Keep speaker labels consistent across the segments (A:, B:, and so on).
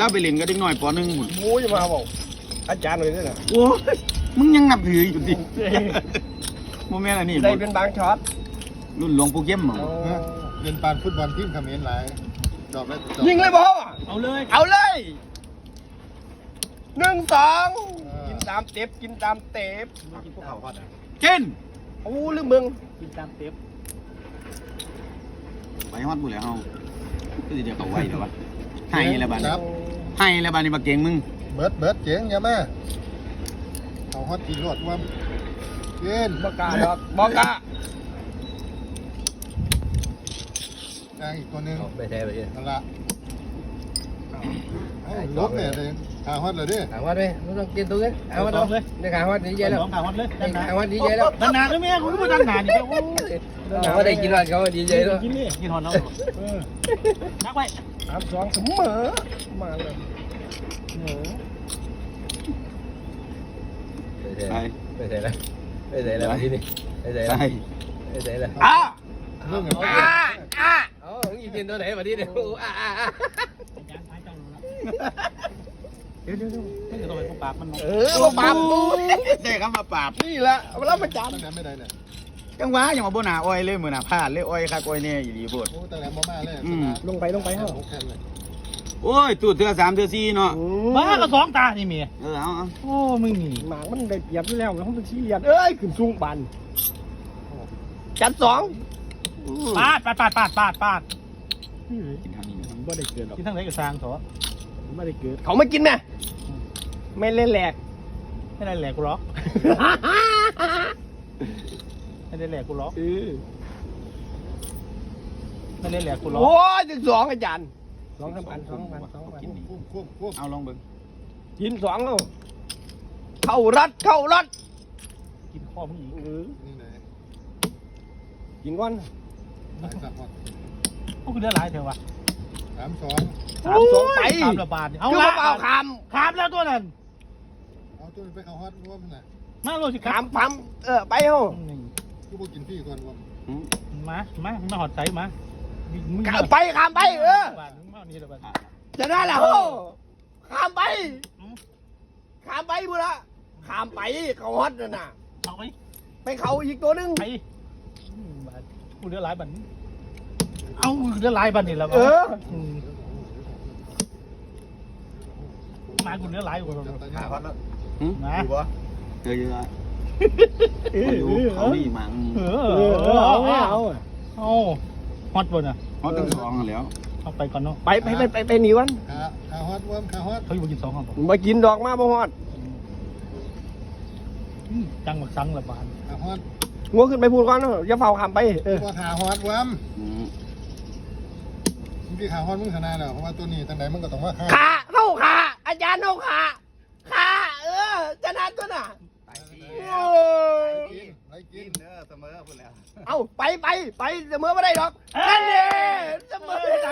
A: แล้วไปเล่นก็ได้หน่อยป.1หมด
B: โอ้ยมาบอกอาจารย์เลยด้วยนะ
A: โอ้ยมึงยังนับถืออยู่ดิโมเมนต์อันนี้
B: ได้เป็นบางช็อต
A: รุ่นหลวงปู่เก็มเหรอ
C: เล่นปานฟุตบอลทีมเขมรหลายจอบได้
B: ยิงเลยบ่
A: เอาเลย
B: 1-2กินตามเต็บกินตามเต็บกินพวกเขาฮอด
A: กิน
B: โอ้ลืมเบิ่ง
A: กินตามเต็บไปฮอดบุแล้วเฮาก็สิเดี๋ยวเขาไว้เดี๋ยววะให้แล้วบัดนี้มาเก่งมึง
C: เบิดเจ๋งอย่ามาเขาฮอตกินรวดว่ากิน
B: บอกกะ
C: อีกตัวนึง
B: ไปแท้ไปดิ
C: นั่นละลบเนี่ยเลยขาฮอตเลยดิ
B: ขาฮอตเลยไม่ต้องกินตัวนี้ขาฮอตเลยในขาฮอตดีใจแล้ว
A: ขาฮอตเลย
B: ขาฮอตดีใจแล้ว
A: ดันหนาด้วยแม่กูก็ดันหนานี่โอ้
B: ขาฮอตได้กินฮอตเขาดีใจแล้ว
A: กินฮอตแล้วนักไว้
B: 3-2เสมอมาเลยไปเสร็จแล้วที่นี่ไปเสร็จแล้วอีกทีตัวไหนมาที่นี่
A: เดี๋ยวต้องไปปราบมัน
B: ปราบกู
A: ได้คำมาปราบ
B: นี่แหละแล้วมาจับ
C: ไม่ได้เนี่ย
A: จังหวะอย่างมาบนหนาอ้อยเลยเหมือนหนาพลาดเลยอ้อยคักอ้อยเนี่ยอยู่ดีพูด
C: โอ้แต่แหลมมาเลย
B: ลงไป
A: โอ้ยตูดเทือ3เทือ4เนาะ
D: บ้าก็2 ตานี่มี
A: เอา
D: โอ้มึงนี่
B: หมากมันได้เปรียบอยู่แล้วแล้วมันชี้เลียนขึ้นสูงปันจัด2
D: ปาด
A: กินทางนี้
B: ไม่ได้เกิดหรอก
D: กินทั้งไหนกับซางเถอะ
B: ไม่ได้เกิดเขาไม่กินนะไม่เล่นแหลก
D: ไม่ได้แหลกกูล็อกไม่ได้แหลกกูล็อกไม่ได้แหลกกูล็อก
B: โอ้ย12อาจารย์2,000
A: เอาลองเบิ่ง
B: กิน2เอาเข้ารัด
D: กินข้อมึงอีก
C: นี่ไหน
B: กินก่อน
D: พวกกูเลือดไหลเถอะวะ
C: 3-2
B: ไป
D: 3ระบาด
B: เอาละเอาค
D: ำแล้วตัวนั้น
C: เอาตัวไปเขาฮอตร่วมน่ะ
D: มาโลสิ
B: คำไปเฮา
C: กูบอกกินพี่ก่อนร่วม
D: มาหอดใจมา
B: ไปคำไปจะได้แล้วคำไปบุระคำไปเขาฮอตน่ะไปเขาอีกตัวนึง
D: ไปกูเลือดไหลบันเอาเลือดไหลบันนี่แล้วมากูเลือดไหลกู
C: ขาฮอตแล้ว
D: นะ
A: อยู่ปะเยอะเขาดีมั้ง
D: เอาฮอตบนอ่ะ
A: ฮอตทั้ง2แล้ว
D: เอาไปก่อนเนาะ
B: ไปหนีวัน
C: ขาฮอตร่วมขาฮอต
D: เขาอยู่กิน2ครับ
B: มากินดอกมาบ่ฮอต
D: จังหวัดสังระบาด
C: ขาฮอต
B: งัวขึ้นไปพูดก่อนอย่าเฝ้าคำไป
C: ว่าขาฮอตร่วมพี่ขาฮอตมึงชนะแล้วเพราะว่าตัวนี้ตั้งไหนมึงก็ต้องว่า
B: ขาเข้าขาอาจารย์เข้าขาชนะตัวน่ะ
C: ไรกินเสมอคุณแล้ว
B: เอาไปเสมอไม่ได้หรอกนั่นเองเสมอไหน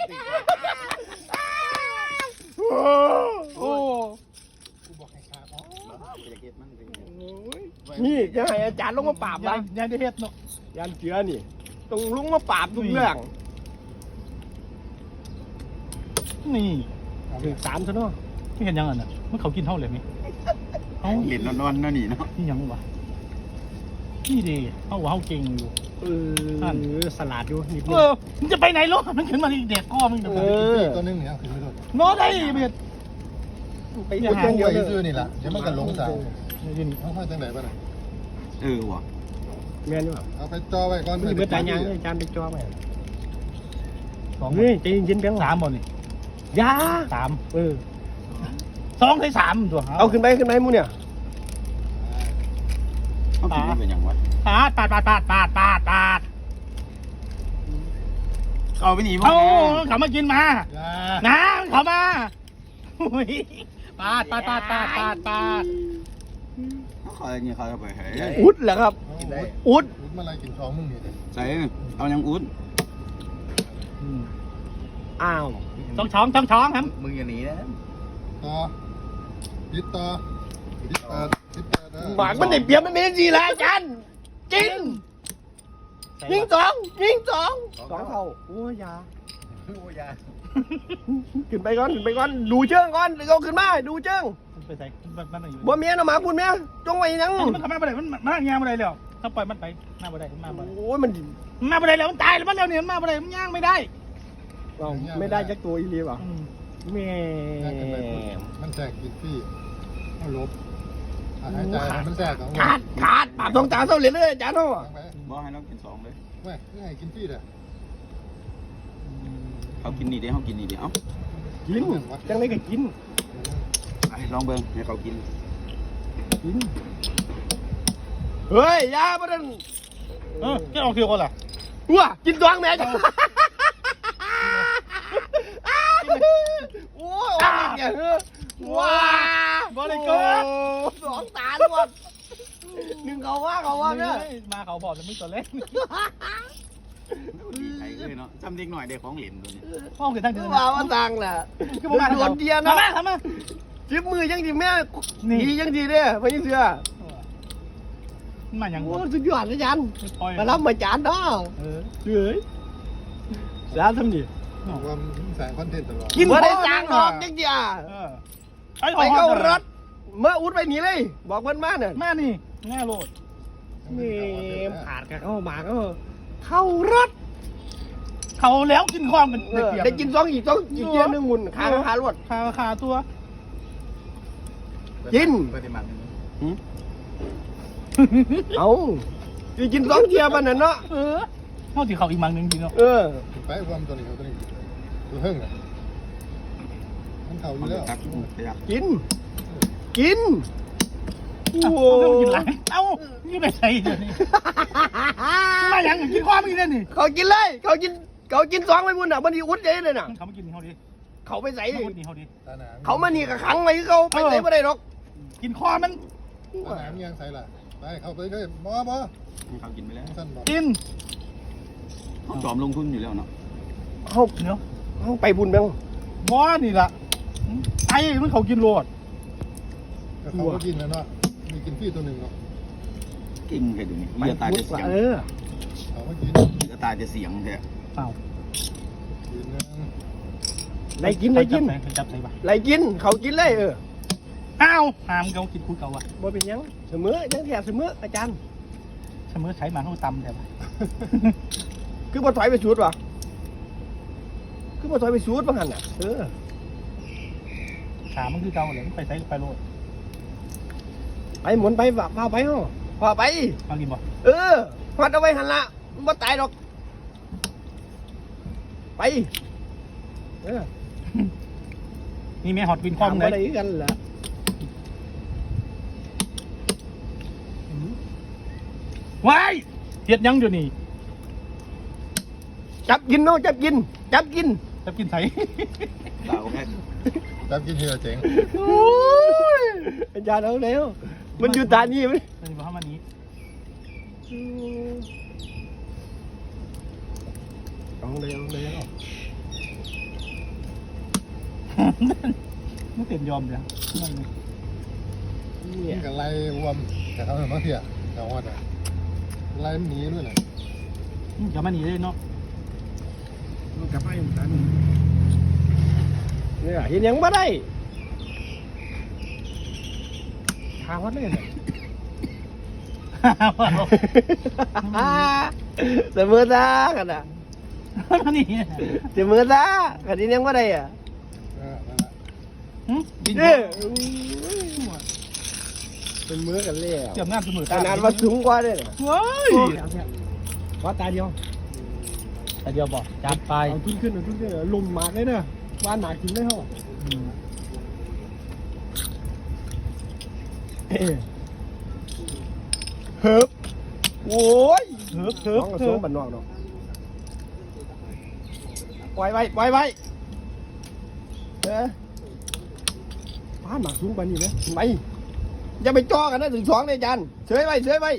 C: กูบอกให้ขา
B: นี่จะให้อาจารย์ลงมาปราบนะ
D: ยันได้เฮ็ดเนาะ
B: ยันเจือนี่ต้องลงมาปราบทุกเรื่อง
D: นี่
B: ถึง3ซะเนาะ
D: ไม่เห็นยังอ่ะนะมันเขากินเท่าเลยมั้ย
A: เอาเหรียญนอนๆนั่นนี่เนาะ
D: นี่ยังวะนี่ดีเขาว่าเขาเก่งอยู่
B: สลัดอยู่นิดนึง
D: มึงจะไปไหนลูกมันขึ้นมาเด็กก้อมึง
C: ตัวนึงเนี่ยขึ้นไม่ได้
D: โน้ได้เบียด
C: ไปเยอะซื้อนี่แหละเดี๋ยวมันก็หลงสาวเขาให้จังไหนบ้าง
A: วะ
B: แม่นวะ
C: เอาไปจ่อไว้ก่อน
B: นี่เบิดตายยังอาจารย์ไปจ่อไว้2นี่ใจเย็นๆเพียง
D: 3บ่นี่
B: ยา
D: 3 2 ให้ 3ตัว
B: เอาขึ้นไปมูเนี่ย
A: เขากินเป็นอย่างวะ
D: ปาด
A: เอาไปหนีมั้ง
D: เขามากินมาน้ำเขามาปาด
A: เขาอย่างนี้เขาจะไปไหน
B: อุดเหรอครับอุด
C: มาอะไรกิน2มึงนี่
A: ใส่เอายังอุด
B: อ้าว
D: ช้องครับ
A: มึงอย่าหนีนะ
C: ต่อยึดต่อ
B: หมากมันได้เปรียบมันไม่ได้ดีแล้วอาจารย์กินยิงสอง2เท่าโอ้ยา
C: โอ้ยา
B: ขึ้นไปก่อนดูเชิงก่อนเอาขึ้นมาดูเชิง
D: ไปใส่มันอยู่
B: บ่เมียนะหมาพูดเมียจงไว้ยัง
D: มันทำมาบ่ได้มันมางานบ่ได้แล้วถ้าปล่อยมันไปมาบ่ได้มันมาบ่ได้
B: โอ้ยมัน
D: มาบ่ได้แล้วมันตายแล้วมันแล้วเนี่ยมันมาบ่ได้มันย่างไม่ได้
B: เราไม่ได้จักตัวอีหลีป่ะแม่
C: มันแทรกกินที่เอาลบหายใจมันแทรกของ
B: ขาดปากตรงตาเท่าเหรียญเลยอาจารย์เนาะ
A: บอกให้เรากิน2เลย
C: ไม่ให้กินที่เด้อ
A: เขากินนี่เดี๋ยวเขากินนี่เดี๋ยว
B: กินจังไรก็กิน
A: ลองเบิ่งให้เขากิน
B: เฮ้ยยาบ่ได้
D: แค่ออกเที่ยวก่อนล่ะ
B: ว้ากินตัวแม่จ้ะโอ้ยเนี่ยว้า2 ตาล้วนหนึ่งเขาว่าเนี่ย
D: มาเขาบอกจะไม่ตัวเล็ก
A: ดีใจเลยเนาะจำเด็กหน่อยได้ของเหรียญตัวนี้
D: ห้องเกิดทางเดิน
B: ว่าสั่งแหละคือผมโดนเดียนะ
D: ทำมา
B: จิ้มมือยังดีแม่ดียังดีเนี่ยไม่ยังเสือ
D: มาอย่าง
B: โอ้สุดยอดเลยจัน
D: ปล่อย
B: มารับมาจานเนาะเฮ้ยแล้วทำดิ
C: ว่าแสงคอนเทนต์ตลอด
B: กินบ่ได้สั่งหรอกจังเดีย ไปเข้ารถเมื่ออุดไปหนีเลย บอกเพิ่นมาเนี่ย
D: มานี่ง่ายโลด
B: นี่ขาดกับเข้ามาก็เข้ารถ
D: เขาแล้วกินความกัน
B: ได้กิน2อีกเกียร์นึงหุ่นขารถ
D: ขาตัว
B: กิน
C: ปฏิมาณ
B: เอาสิกิน2เกียร์มันน่ะเนาะ
D: เขาที่เขาอีกมังนึงทีเนาะ
C: ไปรวมตัวนี้ตัวนี้ตัวเพิ่งอ่ะมันเข่าอยู่แล้ว
A: ครับ
B: กินโอ้
D: กินหลังเอ้านี่ไปใส่เดี๋ยวนี้มาอย่างกินความอีกแล้วนี่
B: เขากินเลยเขากิน2ไปพุ่นน่ะมันสิอุดใจเลยน่ะ
D: เขามากินเขาดิ
B: เขาไปใส่
D: เขามากินเขาดิ
C: ตาหนาม
B: เขามานี่ก็ขังไว้เขาไปใส่บ่ได้หรอก
D: กินคอมัน
C: ตาหนามยังใส่ละไปเข้าไปเลยบ่
A: เขากินไปแล้ว
C: สั้นบ่
D: กิน
A: เขาจอมลงทุนอยู่แล้วเนาะ
B: เขา
D: เนาะ
B: เขาไปบุญบ้าง
D: ว้านี่ล่ะไอ้มันเขากินโลด
C: ก็เขาก็กินแล้วเนาะมีกินที่ตัวหนึ่งเนาะ
A: กิ่งแค่ดูนี่เลือดตาจะเสียง
C: เขาก็กิน
A: เลือดตาจะเสียงแท้
D: เปล่า
C: กินนึง
B: ไล่กิน
D: จับใส่ปะ
B: ไล่กินเขากินเลย
D: อ้าวหามเขากินคุยเก่าอ่ะ
B: บ่เป็นยังเสมอยังแถบเสมออาจารย์
D: เสมอใช้มาเขาตำแต่ปะ
B: คือบ่ถอยไปสูดวะคือบ่ถอยไปสูดบ้างหันน่ะ
D: ขามันคือเก่าเลยไปใช้ไปโลด
B: ไปหมุนไปพาไปเฮาพาไป
D: มากินบ่
B: พัดเอาไว้หันละมันบ่ตายหรอกไป
D: นี่แม่ฮอตวินคอม
B: บ่
D: เล
B: ได้
D: ย
B: กันล่ะ
D: ว้ายเฮ็ดยังเดี๋ยวนี้
B: จับกินเนาะจับกิน
D: จะกินใส่
A: ตาแค่
C: จับกินเฮียเจ๋ง
B: โอ้ยอาจารย์เอาแล้วมันอยู่ตานี่มั้ย
D: นี่บอกว่ามันนี้
B: เอาเลย
D: ไม่เต็มยอมเลย
C: กินกับไล่รวมแต่เขาเนี่ยมาเถี่ยแต่ว่าไล่หนีด้วยนะ
D: อย่ามาหนีเลยเนาะ
B: กลับไปตานี่เนี่ยเห็นยังบ่ได้ทางวัดเลยน่ะ เสมอซะกันน่ะ
D: มาหนี
B: เสมอซะกันนี้ยังบ่ได้อ่ะ
C: นั่นแหละ
D: บิน
B: เป็นมือกันเลย
D: เกี่ยวงานเสมอ
B: ขนาดว่าสูงกว่าเลยน่ะ
D: ว้าย
B: ว่าตาเดียว
D: แต่เดียวบอกจับไป
B: เอาขึ้นลมมากเลยนะว่าหนากินได้เหรอเฮิบโอ้ย
D: เถิบ
B: น้องกระโซงบันนอกเนาะปล่อยไว้ป้าหมากสูงปานนี้นะไปอย่าไปจ่อกันนะถึง2เลยจันเฉยไว้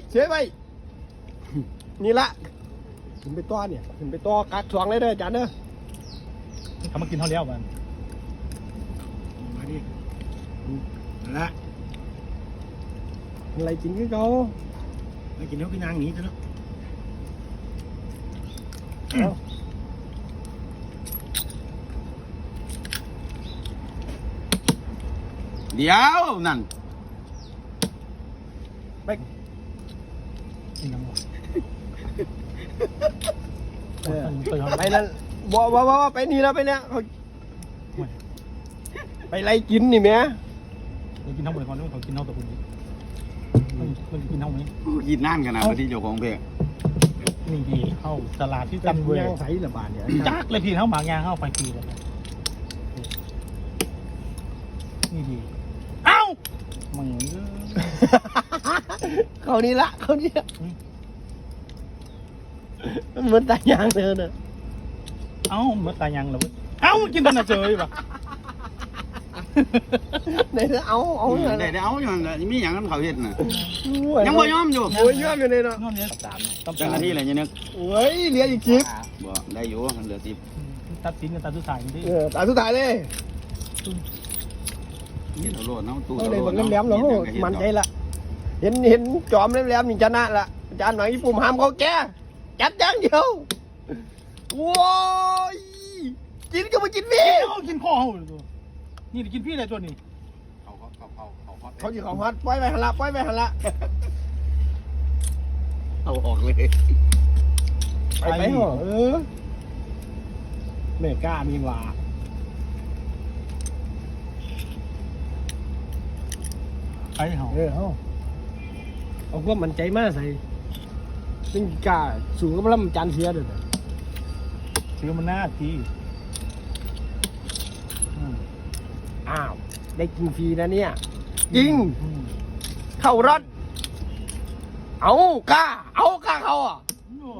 B: นี่ละขึ้นไปต่อเนี่ยขึ้นไปต่อกัก2เลยเด้อจันเด้อ
D: เขามากินเขาแล้วมัน
B: มาดิละอะไรกินคือเขาอะไรกินแล้วก็นางหนีเถอะเนาะ
A: เดี๋ยวนั่น
D: กินน้ำหวาน
B: ไปนั่นบ่ไปนี่แล้วไปเนี่ยเขาไปไล่กินนี่แม่
D: เรากินเท่าไหร่ก่อนเขากินเท่าตัวคุณมันกินเท่าไหร่
A: กินนั่นขนาดที่เจ้าของเพลง
D: นี่ดีเข้าตลาดที่จันเว
B: ย่างใส่ละบาทเนี่ย
D: จักเลยพี่เข้าหมากยางเข้าไปปีเลยนี่ดีเอ้ามึง
B: เขานี่ละเขานี่ละมันเหมือนตายางเธอเนอะ
D: เอ้าเมื่อตายยังเหรอเอ้ากินตอนน่ะเจอป่ะ
B: ไหนเธอเอา
A: ได้เอาอย่างนั้นมีอย่างนั้นเขาเห็นน่ะยังบ่ยอมอยู่
B: โอ้ยยอมอยู่เลยเนาะ
D: นอนเนี้ยสามต้อง
A: จังอันนี้แหละเนี่ยนึก
B: โอ้ยเหลืออีกจิ๊บ
A: บ่ได้อยู่เหลือ10
D: ตัดสินกันตัดสุดท้ายนี่
B: ตาสุดท้ายเลย
A: เห็นเอาโลดเนาะตู้
B: เอาเลยบอกแหลมๆเนาะมันใจละเห็นจอมแหลมๆนี่ชนะละจานหนังญี่ปุ่นห้ามเขาแก่จัดอย่างเดียวโว้ยกินก็มากินพี่
D: เอากินข้อเขาเลยตัวนี่กินพี่อะไรตัวนี้
B: เขาอยู่ของฮัทปล่อยไปหันละปล่อยไปหันละ
A: เอาออกเลย
B: ไปเหรอเมก้ามีว่า
D: ไปเหรอ
B: เอาความมันใจมากใส่ซึ่งกล้าสูงก็มาแล้วมันจานเสียเด้อ
D: ซื้อมันหน้าที
B: อ้าวได้กินฟรีนะเนี่ยจริงเข้ารถเอากล้าเขาอ่ะ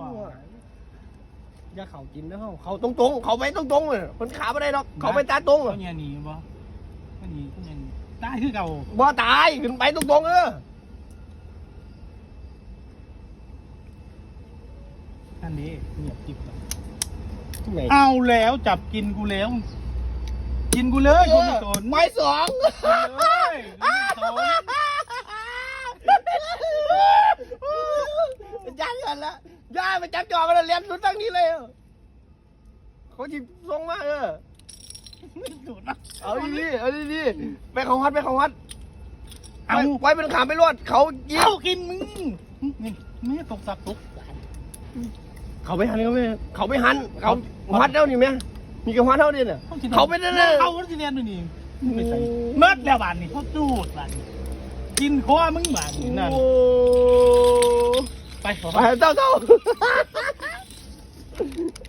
B: อย่าเขากินนะเขาตรงๆเขาไปตรงๆเลยคนขาไม่ได้หรอกเขาไปตาตรง
D: ก็เนี่ยหนีบ่ก็หนีก็ยังได้คือเก่า
B: บ่ตายขึ้นไปตรงๆ
D: อันนี้เงียบจิ๊บ
B: ที่ไหน
D: เอาแล้วจับกินกูแล้ว กินกูเลยกูไม่สน
B: ไม้สอง
D: เลยไม่สน
B: ย่ากันละย่าไปจับจอมาแล้วเลี้ยงสุดตั้งนี้เลยเขาจิส่งมา
D: ไม่สุดนะ
B: เอาดีๆไปของวัด
D: เอา
B: ไว้เป็นขามไปรวดเขายิง
D: เอากินมึงนี่ไม่ตกสับตก
B: เขาไปหันเขาวัดแล้วนี่แม่มีกระวัดเท่านี้เนี่ยเขาไปนั่นเลย
D: เขาที่เรียนด้วยนี่ไม่ใส่เมื่อแล้วบานนี่เขาจูดบานนี่กินคอมึงบานนี่นั่นไป
B: ไปเจ้า